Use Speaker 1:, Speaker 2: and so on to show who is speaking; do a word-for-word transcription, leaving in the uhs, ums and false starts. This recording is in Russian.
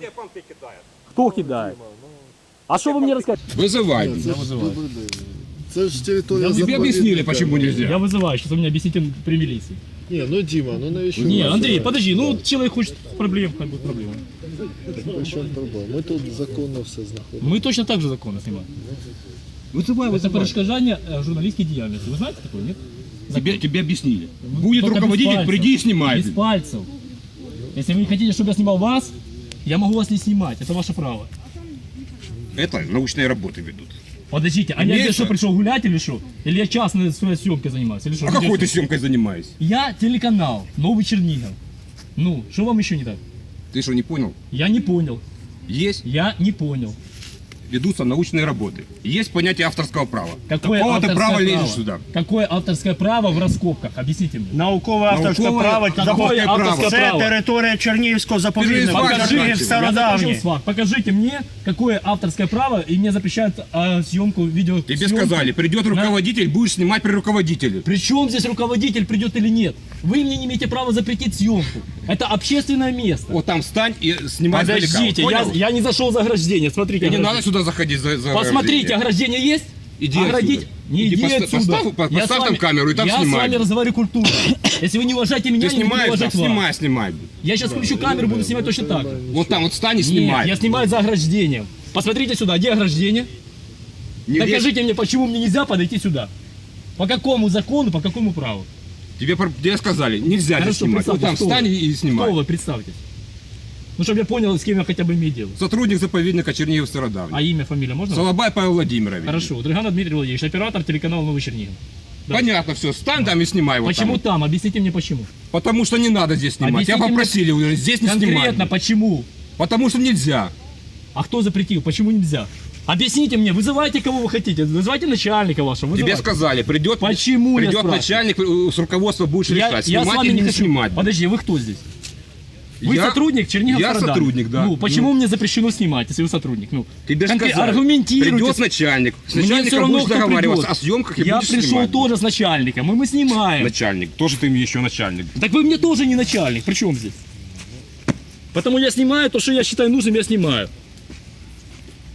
Speaker 1: тебе понты кидает.
Speaker 2: Кто кидает? А что вы мне расскажете?
Speaker 3: Вызывайте.
Speaker 4: Це ж, це ж територія
Speaker 3: Тебе
Speaker 4: заповідника.
Speaker 3: объяснили, почему
Speaker 2: Я
Speaker 3: нельзя.
Speaker 2: вызываю, сейчас вы мне объясните при милиции.
Speaker 4: Ні, ну Діма, ну навіщо?
Speaker 2: Не,
Speaker 4: ви
Speaker 2: Андрей,
Speaker 4: це?
Speaker 2: подожди, ну человек хочет проблем, как бы проблема.
Speaker 4: При чому проблема? Ми тут законно все знаходимо.
Speaker 2: Мы точно так же законно снимаем.
Speaker 3: Вызывай,
Speaker 2: Это
Speaker 3: вызывай.
Speaker 2: перешкоджание э, журналистской деятельности. Вы знаете такое, нет?
Speaker 3: Тебе, тебе объяснили. Будет
Speaker 2: Только без
Speaker 3: руководитель,
Speaker 2: пальцев.
Speaker 3: приди и снимай.
Speaker 2: Без пальцев. Если вы не хотите, чтобы я снимал вас, я могу вас не снимать. Это ваше право.
Speaker 3: Это научные работы ведут.
Speaker 2: Подождите, а я
Speaker 3: Имеется?
Speaker 2: здесь что, пришел гулять или что? Или я частной своей съемкой занимаюсь? Или что?
Speaker 3: А
Speaker 2: Где
Speaker 3: какой
Speaker 2: что?
Speaker 3: ты съемкой занимаешься?
Speaker 2: Я телеканал, Новый Чернигов. Ну, что вам еще не так?
Speaker 3: Ты что, не понял?
Speaker 2: Я не понял.
Speaker 3: Есть,
Speaker 2: Я не понял.
Speaker 3: ведутся научные работы. Есть понятие авторского права.
Speaker 2: Какое
Speaker 3: Какого ты
Speaker 2: авторское
Speaker 3: права
Speaker 2: право?
Speaker 3: лезешь сюда?
Speaker 2: Какое авторское право в раскопках? Объясните мне.
Speaker 5: Наукове авторське
Speaker 3: Наукове-
Speaker 5: право.
Speaker 2: Какое
Speaker 3: право?
Speaker 2: авторское
Speaker 5: Це
Speaker 2: право?
Speaker 5: територія Чернігівського заповідника.
Speaker 3: Покажи,
Speaker 5: Чернігів
Speaker 3: я
Speaker 2: Я закончил
Speaker 5: стародавній.
Speaker 2: с вами. Покажите мне, какое авторское право, и мне запрещают а, съемку видео.
Speaker 3: Тебе сказали, придет руководитель, будешь снимать при руководителе.
Speaker 2: При чем здесь руководитель придет или нет? Вы мне не имеете права запретить съемку. Это общественное место.
Speaker 3: Вот там встань и снимай издалека.
Speaker 2: Подождите, я,
Speaker 3: Понял?
Speaker 2: я не зашел за ограждение. Смотрите,
Speaker 3: И не
Speaker 2: ограждение.
Speaker 3: надо сюда заходить за, за
Speaker 2: Посмотрите,
Speaker 3: ограждение.
Speaker 2: ограждение есть?
Speaker 3: Иди
Speaker 2: Оградить?
Speaker 3: отсюда.
Speaker 2: Не
Speaker 3: Иди
Speaker 2: иди
Speaker 3: поста-
Speaker 2: отсюда.
Speaker 3: поставь- по-
Speaker 2: Я
Speaker 3: поставь
Speaker 2: с вами-
Speaker 3: там камеру и там
Speaker 2: я
Speaker 3: снимай.
Speaker 2: с вами разговариваю культурно. Если вы не уважаете меня,
Speaker 3: Ты
Speaker 2: я не буду
Speaker 3: снимаешь, да,
Speaker 2: уважать вас.
Speaker 3: снимай, снимай.
Speaker 2: Я сейчас включу камеру, буду снимать точно так же.
Speaker 3: Вот там вот встань и
Speaker 2: Нет,
Speaker 3: снимай.
Speaker 2: я снимаю за ограждением. Посмотрите сюда, где ограждение?
Speaker 3: Не лезь.
Speaker 2: Докажите мне, почему мне нельзя подойти сюда. По какому закону, по какому праву?
Speaker 3: Тебе, про- тебе сказали, нельзя здесь
Speaker 2: Хорошо,
Speaker 3: снимать. Вот
Speaker 2: представьте,
Speaker 3: там
Speaker 2: кто
Speaker 3: встань
Speaker 2: вы?
Speaker 3: и снимай.
Speaker 2: Кто вы, представьтесь? Ну, чтобы я понял, с кем я хотя бы имею дело.
Speaker 3: Сотрудник заповедника Чернигов Стародавний.
Speaker 2: А имя, фамилия можно?
Speaker 3: Солобай Павел Владимирович.
Speaker 2: Хорошо, Дрыганов Дмитрий Владимирович, оператор телеканала Новый Чернигов. Да.
Speaker 3: Понятно все, встань там и снимай вот
Speaker 2: Почему
Speaker 3: там.
Speaker 2: там? Объясните мне почему.
Speaker 3: Потому что не надо здесь снимать.
Speaker 2: Объясните
Speaker 3: Тебя
Speaker 2: мне
Speaker 3: попросили уже здесь не
Speaker 2: Конкретно
Speaker 3: снимать.
Speaker 2: почему?
Speaker 3: Потому что нельзя.
Speaker 2: А кто запретил? Почему нельзя? Объясните мне, вызывайте кого вы хотите, вызывайте начальника вашего.
Speaker 3: Тебе
Speaker 2: вызывайте.
Speaker 3: сказали, придет,
Speaker 2: Почему, я
Speaker 3: придет
Speaker 2: спрашиваю?
Speaker 3: начальник э, с руководства, будешь
Speaker 2: Я,
Speaker 3: решать,
Speaker 2: я с
Speaker 3: снимать
Speaker 2: вами
Speaker 3: или
Speaker 2: не
Speaker 3: не
Speaker 2: хочу.
Speaker 3: снимать.
Speaker 2: Подожди, вы кто здесь? Вы
Speaker 3: Я-
Speaker 2: сотрудник Чернигов
Speaker 3: я
Speaker 2: Стародавний.
Speaker 3: сотрудник, да.
Speaker 2: Ну, почему
Speaker 3: Ну.
Speaker 2: мне запрещено снимать, если вы сотрудник? Ну,
Speaker 3: Тебе же
Speaker 2: конкре-
Speaker 3: сказали,
Speaker 2: аргументируйте.
Speaker 3: придет начальник. С
Speaker 2: Мне все
Speaker 3: начальником
Speaker 2: равно,
Speaker 3: будешь
Speaker 2: кто
Speaker 3: договариваться
Speaker 2: придет.
Speaker 3: о съемках и
Speaker 2: Я
Speaker 3: будешь
Speaker 2: пришел
Speaker 3: снимать.
Speaker 2: тоже с начальником, и мы снимаем.
Speaker 3: Начальник, тоже ты еще начальник.
Speaker 2: Так вы мне тоже не начальник, при чем здесь? Потому я снимаю то, что я считаю нужным, я снимаю.